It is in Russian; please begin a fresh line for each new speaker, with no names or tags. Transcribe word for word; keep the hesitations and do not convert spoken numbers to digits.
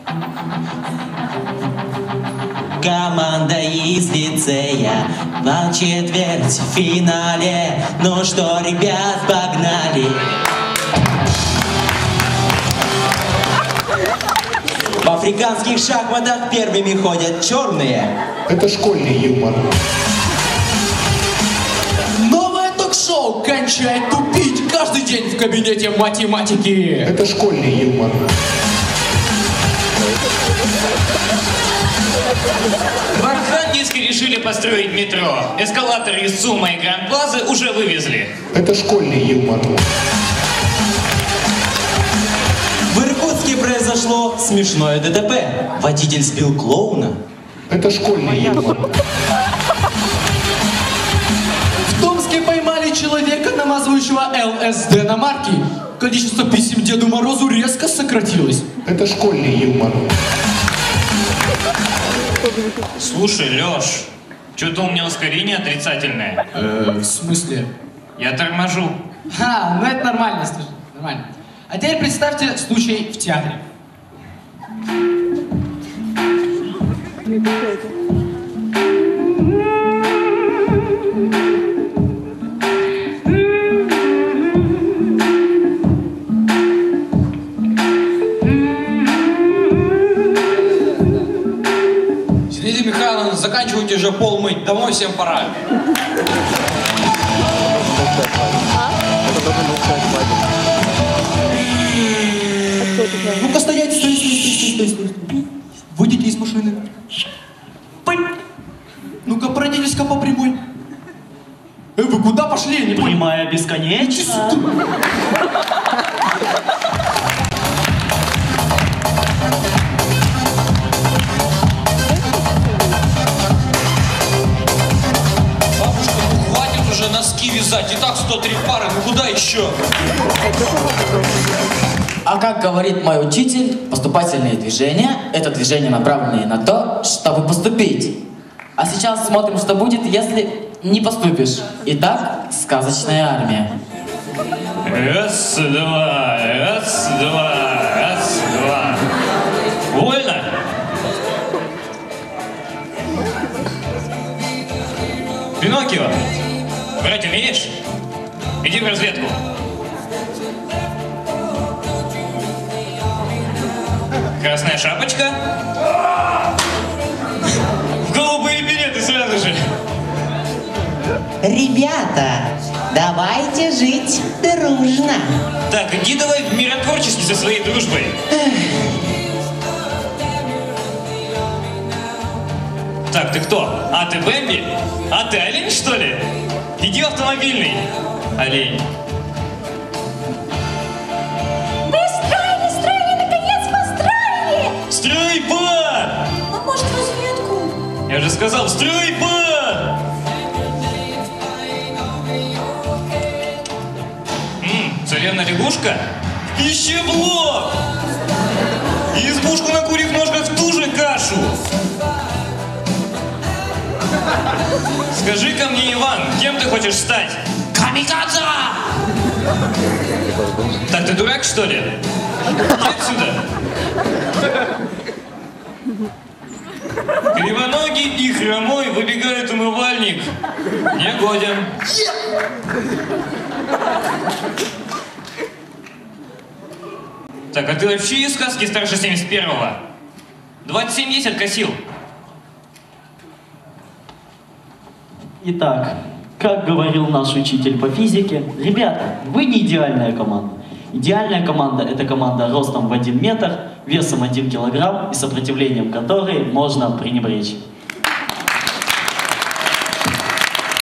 Команда из лицея на четвертьфинале. Ну что, ребят, погнали! В африканских шахматах первыми ходят черные.
Это школьный юмор.
Новое ток-шоу «Кончай тупить» каждый день в кабинете математики.
Это школьный юмор.
В Архангельске решили построить метро. Эскалаторы из ЦУМа и Гранд-Плазы уже вывезли.
Это школьный юмор.
В Иркутске произошло смешное ДТП. Водитель сбил клоуна.
Это школьный юмор.
В Томске поймали человека, намазывающего ЛСД на марки. Количество писем Деду Морозу резко сократилось.
Это школьный юмор.
Слушай, Лёш, что-то у меня ускорение отрицательное.
Э, в смысле?
Я торможу.
А, ну это нормально, слушай, нормально. А теперь представьте случай в театре.
Зинаида Михайловна, заканчивайте уже пол мыть, домой всем пора.
Ну-ка стоять, стой, стой, стой, стой, стой, стой. Выйдите из машины. Ну-ка пройдитесь-ка по прямой. Э, вы куда пошли? Я не понял.
Прямая бесконечна.
Бабушка, ну хватит уже носки вязать, и так сто три пары, ну куда еще?
А как говорит мой учитель, поступательные движения – это движения, направленные на то, чтобы поступить. А сейчас смотрим, что будет, если не поступишь. Итак, сказочная армия.
Раз, два, раз, два, раз, два. Вольно? Пиноккио, брать умеешь? Иди в разведку. Красная шапочка. В голубые билеты сразу же.
Ребята, давайте жить дружно.
Так, иди давай в миротворческий со своей дружбой. Так, ты кто? А ты Бэмби? А ты олень, что ли? Иди в автомобильный. Олень.
Мы строили, строили, наконец построили!
Строй бар!
А может, разведку?
Я же сказал, строй бар! Ммм, царевна-лягушка? В пищеблок! И избушку на курьих ножках в ту же кашу! Скажи-ка мне, Иван, кем ты хочешь стать? Камикадзе! Так, ты дурак, что ли? Иди отсюда! Кривоногий и хромой выбегает умывальник. Не годен. Так, а ты вообще из сказки старше семьдесят первого? двадцать семь есть откосил.
Итак, как говорил наш учитель по физике, ребята, вы не идеальная команда. Идеальная команда – это команда ростом в один метр, весом один килограмм и сопротивлением которой можно пренебречь.